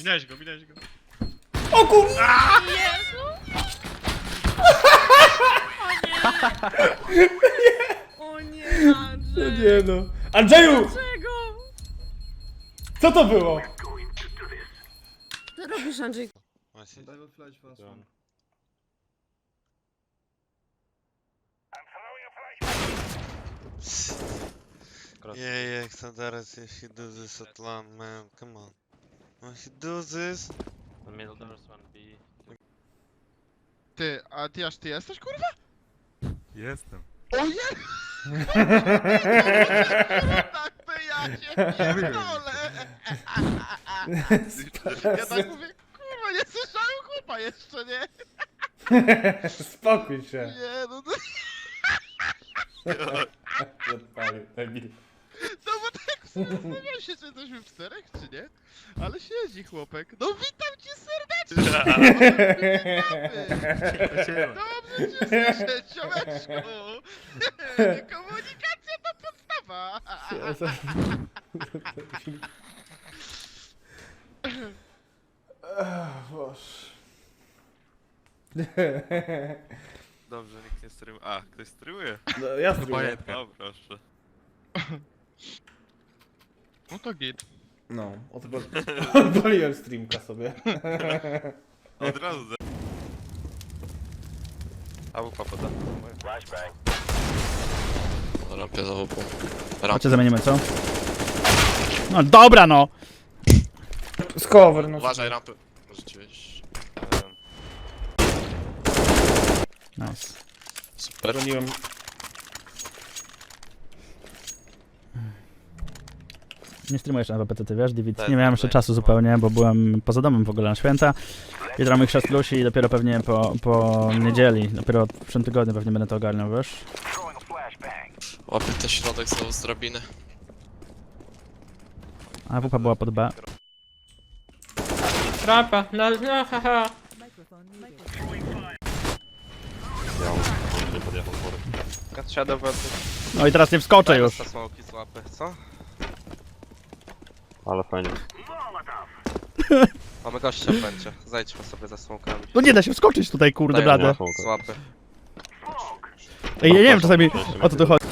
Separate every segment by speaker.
Speaker 1: Minąłeś go, minąłeś go.
Speaker 2: O kurwa!
Speaker 3: Jezu! O nie,
Speaker 2: No
Speaker 3: Andrzej!
Speaker 2: nie no. Andrzeju!
Speaker 3: Dlaczego?
Speaker 2: Co to było?
Speaker 3: Co robisz, Andrzej?
Speaker 4: Właśnie.
Speaker 5: I will flash fast one.
Speaker 4: Yeah, Xandaras, if he do this at land, man, come on. When he do this...
Speaker 6: The middle doors one B.
Speaker 1: Ty, a ty aż ty jesteś, kurwa?
Speaker 7: Jestem.
Speaker 1: O nie! Tak to ja się pierdolę! Ja tak mówię, kurwa, nie słyszałem chłopa jeszcze, nie?
Speaker 2: Spokój się.
Speaker 1: Nie, no to...
Speaker 2: Odpalił, debil.
Speaker 1: No bo tak zastanawiam się, czy jesteśmy w czterech, czy nie? Ale siedzi chłopek. No witam cię serdecznie! Dobrze cię słyszę, ciomeczku! Komunikacja to podstawa!
Speaker 2: Boże.
Speaker 7: Dobrze, nikt nie streamuje. A, ktoś streamuje?
Speaker 2: No ja spróbuję.
Speaker 7: No proszę.
Speaker 1: No to git.
Speaker 2: No, odpaliłem streamka sobie.
Speaker 7: Od razu za... A wupa poda.
Speaker 6: Rampie za wupą.
Speaker 8: Chodźcie zamienimy, co? No dobra no!
Speaker 2: Z cover, no.
Speaker 6: Uważaj, rampy. Możecie wejść.
Speaker 8: Nice.
Speaker 6: Super.
Speaker 2: Broniłem.
Speaker 8: Nie streamujesz na WPT, ty wiesz, David?
Speaker 6: Tak,
Speaker 8: Nie miałem jeszcze
Speaker 6: tak,
Speaker 8: czasu
Speaker 6: no.
Speaker 8: zupełnie, bo byłem poza domem w ogóle na święta. Jutro mamy chrzest Lusi i dopiero pewnie po niedzieli, dopiero w przyszłym tygodniu pewnie będę to ogarniał, wiesz?
Speaker 6: Łapię ten środek znowu z drabiny.
Speaker 8: A WP była pod B.
Speaker 3: Rapa, no haha.
Speaker 8: No i teraz nie wskoczę już.
Speaker 6: Smoki złapę, co?
Speaker 7: Ale fajnie.
Speaker 6: Mamy gościa w będzie. Zajdźmy sobie za smokami.
Speaker 8: No nie da się wskoczyć tutaj, kurde
Speaker 6: Daję
Speaker 8: blade.
Speaker 6: Złapy.
Speaker 8: Ej, ja nie wiem czasami o co tu chodzi.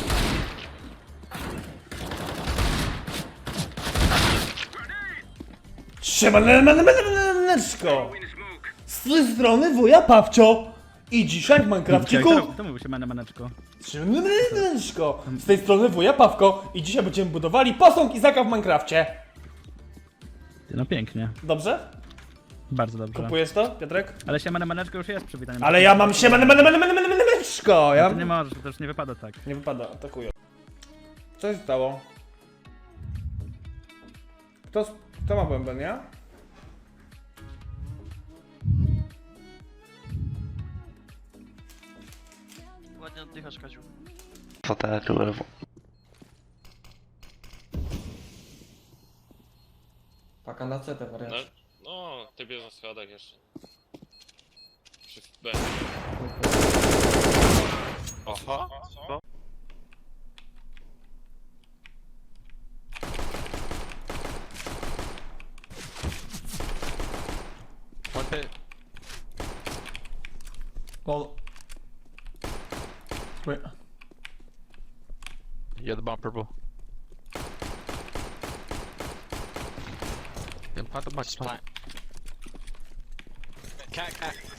Speaker 2: Siemaneczko! Z tej strony wuja Pawcio! I dzisiaj w Minecrafciku...
Speaker 8: To mówił się maneczko.
Speaker 2: Siemaneczko! Z tej strony wuja Pawko i dzisiaj będziemy budowali posąg Izaka w Minecrafcie.
Speaker 8: No pięknie.
Speaker 2: Dobrze?
Speaker 8: Bardzo dobrze.
Speaker 2: Kupujesz to, Piotrek?
Speaker 8: Ale się maneczko już jest przywitanie.
Speaker 2: Ale ja mam siemaneczko! Ja
Speaker 8: To nie możesz, to też nie wypada tak.
Speaker 2: Nie wypada, atakuję. Co się stało? Kto ma bęben, ja?
Speaker 6: Ładnie oddychasz, Kaziu.
Speaker 7: Fotel lewo.
Speaker 5: Paka na CT wariant.
Speaker 6: No, ty bierz na schodach jeszcze. Przy B. Aha. Co?
Speaker 7: Okej.
Speaker 2: Well... Wait.
Speaker 7: Yeah, the bomb purple. Yeah, plant the box.
Speaker 6: Cat.